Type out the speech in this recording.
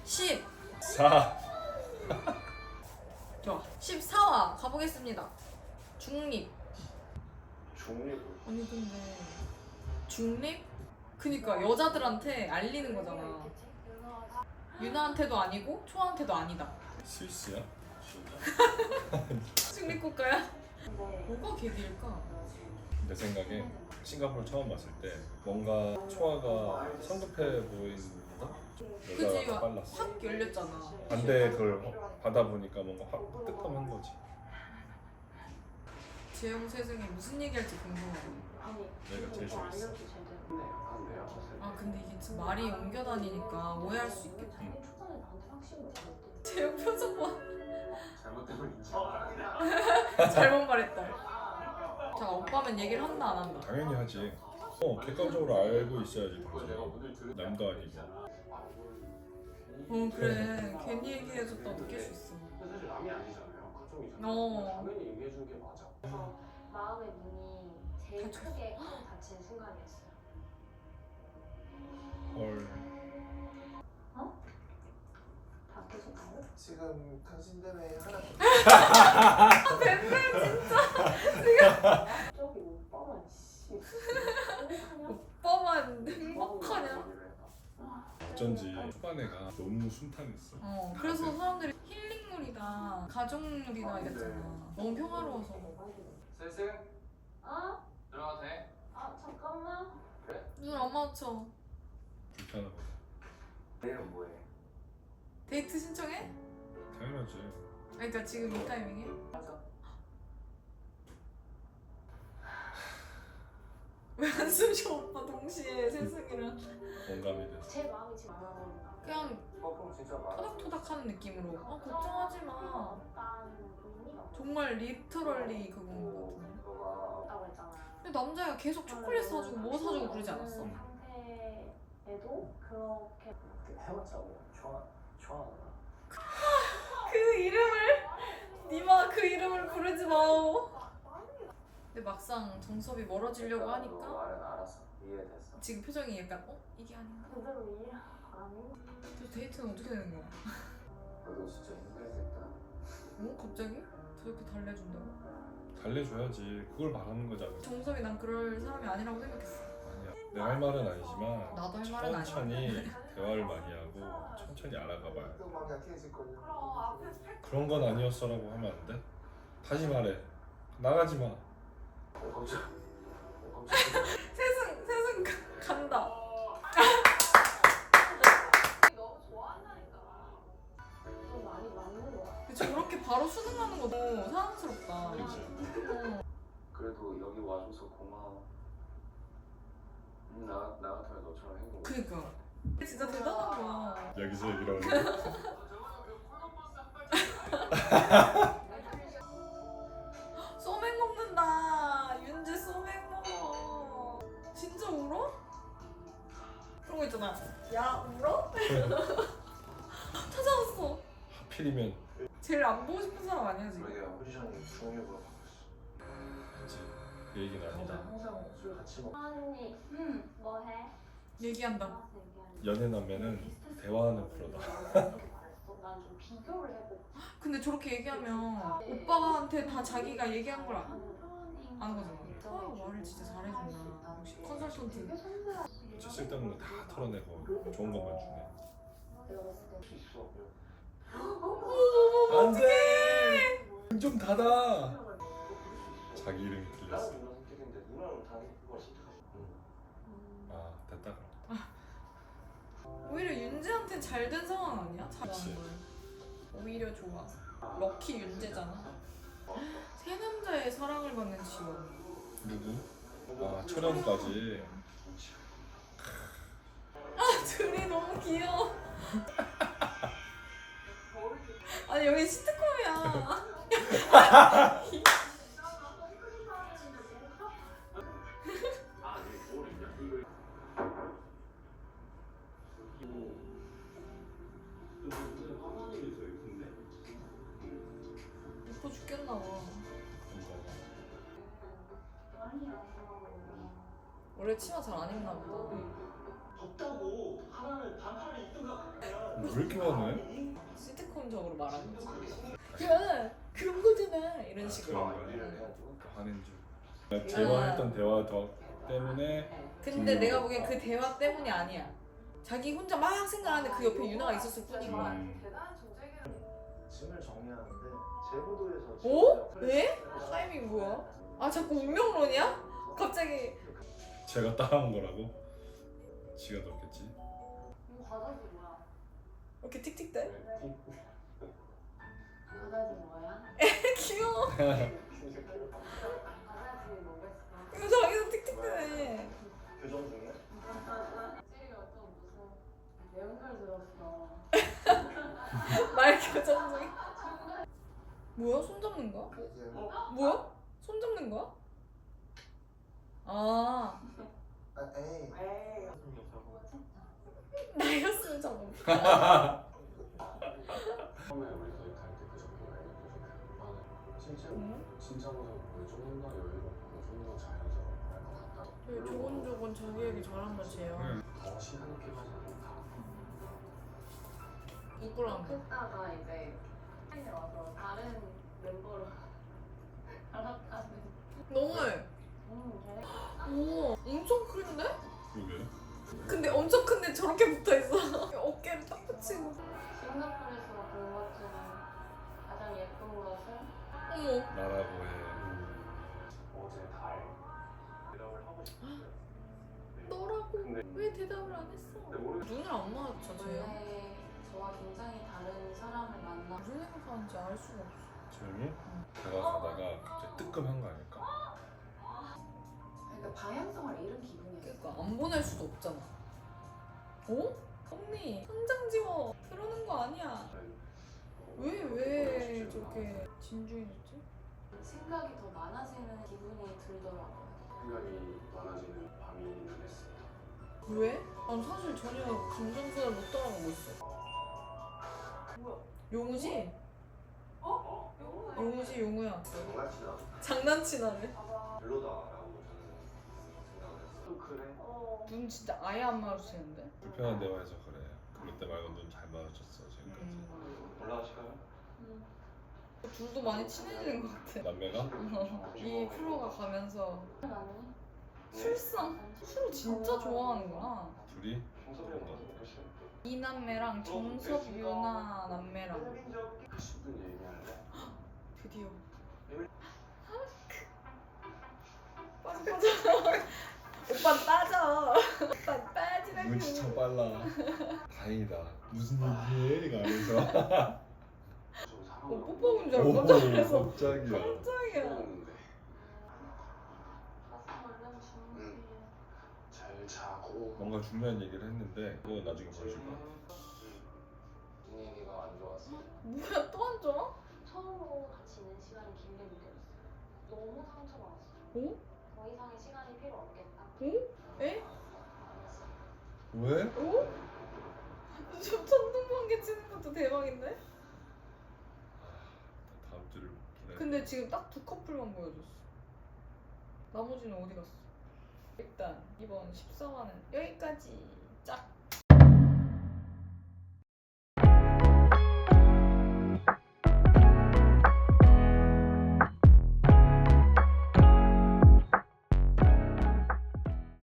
10. 4. 좋아. 14화 가보겠습니다. 중립. 중립을 아니 근데 중립? 그니까 여자들한테 알리는 거잖아. 유나한테도 아니고 초아한테도 아니다. 스위스야? 중립 국가야? 뭐가 계기일까? 내 생각에 싱가포르 처음 봤을 때 뭔가 초아가 성급해 보인다? 그치, 여자가 더 빨랐어. 확 열렸잖아. 반대 그걸 받아보니까 뭔가 확 뜨끔한 거지. 재영 세승이 무슨 얘기할지 궁금해. 내가 제일 좋아했어. 아 근데 이게 진짜 말이 옮겨 다니니까 오해할 수 있겠다. 응. 재영 표정 봐. 잘못되면 인정. 잘못 말했다. 자 오빠면 얘기를 한다 안 한다. 당연히 하지. 객관적으로 알고 있어야지. 남도 아니고. 그래 괜히 얘기해줬다 느낄 수 있어. 사실 남이 아니잖아요. 가족이잖아요. 어. 당연히 얘기해준 게 맞아. 마음의 문이 제일 닫혔어. 크게 닫힌 순간이었어요. 헐. 다 계속 가요? 지금 당신 때문에 하나. 저기 오빠만 씨. 오빠만 행복하냐? 어쩐지 초반에가 너무 순탄했어. 그래서 사람들이 힐링물이다 가족물이다 이랬잖아. 너무 평화로워서. 슬슬 아? 들어가도 돼? 아 잠깐만. 눈 안 맞춰. 불편하고. 내일은 뭐해? 데이트 신청해? 당연하지. 그러니까 지금 이 타이밍에? 맞아. 왜 한숨 쉬어 오빠 동시에 세승이랑 공감이 됐어. 제 마음이 지금 안 와버린다. 그냥 그럼 진짜 말. 토닥토닥하는 느낌으로 걱정하지 마. 없다는 의미가 없어. 정말 리터럴리 그건 거 같은데. 너가 없다고 했잖아요. 근데 남자애가 계속 초콜릿 사주고 뭐 사주고 그러지 않았어? 상태에도 그렇게 해봤자고. 좋아. 그 이름을 니마 그 이름을 부르지 마오. 근데 막상 정섭이 멀어지려고 하니까 말은 알았어. 이해됐어. 지금 표정이 약간 이게 아닌가? 그대로 이해 안 해. 저 데이트는 어떻게 되는 거야? 너도 진짜 힘들겠다. 갑자기? 저렇게 달래준다고? 달래줘야지. 그걸 말하는 거잖아. 정섭이 난 그럴 사람이 아니라고 생각했어. 아니야. 내가 할 말은 아니지만 나도 할 말은 아니야. 천천히 대화를 많이 하고 천천히 알아가봐요. 또 마음이 약해질걸요. 그런 건 아니었어라고 하면 안 돼? 다시 말해. 나가지 마. 걱정. 세승 간다. 너무 좋아한다니까. 좀 많이 맞는 거 같아. 근데 저렇게 바로 수긍하는 거 너무 사랑스럽다. 그치? 그래도 여기 와줘서 고마워. 나 같으면 너처럼 행복. 그니까 진짜 대단한 거야. 여기서 얘기를 하는 소맥 먹는다. 윤재 소맥 먹어. 진짜 울어? 그런 거 있잖아. 야 울어? 찾아왔어. 하필이면 제일 안 보고 싶은 사람 아니야 지금? 그러게요. 포지션이 중립으로 바뀌었어. 그치. 그 얘기는 아니다. 항상 술 같이 먹. 언니, 뭐 해? 얘기한다. 알아서 얘기하는 연애남매는 대화하는 프로다. 난 좀 비교를 해보고 근데 저렇게 얘기하면 오빠한테 다 자기가 얘기한 걸 아는 거잖아. 말을 진짜 잘해준다. 역시 컨설턴트. 진짜 쓸데없는 거 다 털어내고 좋은 것만 주네. 내가 봤을 때 할수 있어. 안돼. 좀 닫아. 자기 이름이 나랑 들렸어. 누나 선택인데 누나는 다 그걸 선택하지. 아 됐다 그럼. 오히려 윤재한테 잘 된 상황 아니야? 그치. 잘하는 걸. 오히려 좋아. 럭키 윤재잖아. 세 남자의 사랑을 받는 지원. 누구? 아 초련까지. 둘이 너무 귀여워. 아니 여기 시트콤이야. 예뻐 죽겠나 봐. 원래 치마 잘 안 입나 보다. 덥다고 하나는 반팔을 입든가. 왜 이렇게 많네? 시트콤적으로 말하는 거지. 야 그런 거잖아 이런 식으로. 그런 거야? 하는 줄. 대화했던 대화 때문에. 근데 내가 보기엔 그 대화 때문이 아니야. 자기 혼자 막 생각하는데 그 옆에 유나가 있었을 뿐인 거야. 대단한 존재기는 짐을 정리하는데 제무도에서 오? 왜? 타이밍 뭐야? 아 자꾸 운명론이야? 갑자기 제가 따라한 거라고? 지가 넣었겠지. 과자지 뭐야? 이렇게 틱틱대? 과자지 뭐야? 귀여워. 과자지 뭐겠어? 이거 자기도 틱틱대네. 교정 중에? 찌리가 좀 무슨 매운 걸 들었어. 말 교정 중에. 뭐야? 손 잡는 거야? 뭐야? 손 잡는 거야? 아 에이. 에이. 나였으면 잡아. 처음에 우리 거기 갈때 그 정도가 아니고 실제로 진짜보다 조금 더 여유롭고 좀 더 자연스럽고 할 것 같다. 되게 조곤조곤 자기 얘기 잘한 맛이에요. 더 시간 있게 가지 않다. 부끄러운 거. 했다가 이제 팬이 와서 다른 멤버로 갈아타는. 너무해. 걔네 오 엄청 큰데? 그러게. 근데 엄청 큰데 저렇게 붙어있어. 어깨를 딱 붙이고. 싱가포르에서 본 것 중에 가장 예쁜 것은 어머 나라고 해. 어제 달 대답을 하고 싶었어요. 너라고 근데 왜 대답을 안 했어? 모르겠. 눈을 안 마주쳐 쟤요. 원래 저와 굉장히 다른 사람을 만나. 무슨 생각하는지 알 수가 없어. 조용히 다가가다가 갑자기 뜨끔한 거 아닐까? 그러니까 방향성을 잃은 기분이었어. 그러니까 안 보낼 수도 없잖아. 어? 언니 현장 지워. 그러는 거 아니야. 왜 저렇게 진중해졌지? 생각이 더 많아지는 기분이 들더라고요. 생각이 많아지는 밤이긴 했습니다. 왜? 난 사실 전혀 감정선을 못 따라가고 있어. 뭐야? 용우지? 어? 용우지 용우야. 장난치나 장난치나네. 봐봐. 별로다라고 저는 생각을 했어요. 또 그래? 눈 진짜 아예 안 마주치는데? 불편한 대화해서 그래. 그럴 때 말고 눈 잘 마주쳤어 지금까지. 올라가실까요? 둘도 많이 친해지는 것 같아. 남매가? 이 프로가 가면서 아니? 술상? 술 진짜 좋아하는구나. 둘이? 평소랑 훨씬 이 남매랑 정섭 유나 남매랑 10분 얘기할래? 드디어 빠져 오빠 빠져. 오빠 빠지라고. 눈치 참 빨라. 다행이다. 무슨 얘기해? 가면서. 좀 사람 뽀뽀인 줄 알고 깜짝 놀랐어. 깜짝이야. 깜짝이야. 했는데 가서 얼른 주무세요. 잘 자고 뭔가 중요한 얘기를 했는데 그거 나중에 보여줄 거야. 분위기가 안 좋았어. 뭐야 또 안 좋아? 처음으로 같이 있는 시간이 길게 느껴졌어요. 너무 상처받았어요. 오? 더 이상의 시간이 필요 없겠다. 오? 에? 아니었어요. 왜? 오? 저 천둥번개 치는 것도 대박인데? 다음 주를 기다려. 근데 지금 딱 두 커플만 보여줬어. 나머지는 어디 갔어? 일단 이번 14화는 여기까지. 짝.